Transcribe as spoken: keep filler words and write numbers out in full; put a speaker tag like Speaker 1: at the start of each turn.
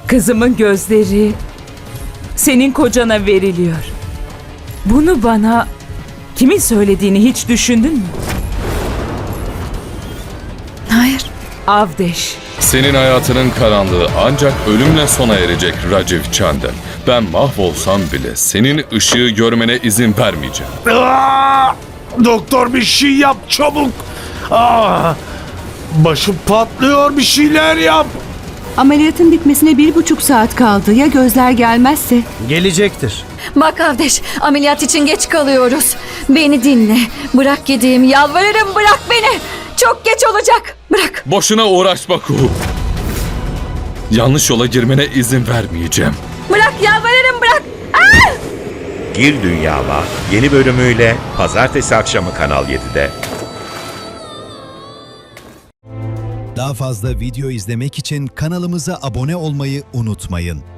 Speaker 1: Kızımın gözleri senin kocana veriliyor. Bunu bana kimin söylediğini hiç düşündün mü?
Speaker 2: Hayır.
Speaker 1: Avdeş.
Speaker 3: Senin hayatının karanlığı ancak ölümle sona erecek Raciv Çandel. Ben mahvolsam bile senin ışığı görmene izin vermeyeceğim.
Speaker 4: Aa! Doktor bir şey yap çabuk. Aa! Başım patlıyor, bir şeyler yap.
Speaker 2: Ameliyatın bitmesine bir buçuk saat kaldı. Ya gözler gelmezse?
Speaker 5: Gelecektir.
Speaker 6: Bak Avdeş, ameliyat için geç kalıyoruz. Beni dinle. Bırak gideyim, yalvarırım bırak beni. Çok geç olacak. Bırak.
Speaker 3: Boşuna uğraşma Kuhu. Yanlış yola girmene izin vermeyeceğim.
Speaker 6: Bırak, yalvarırım bırak.
Speaker 7: Gir Dünyama yeni bölümüyle pazartesi akşamı Kanal yedide.
Speaker 8: Daha fazla video izlemek için kanalımıza abone olmayı unutmayın.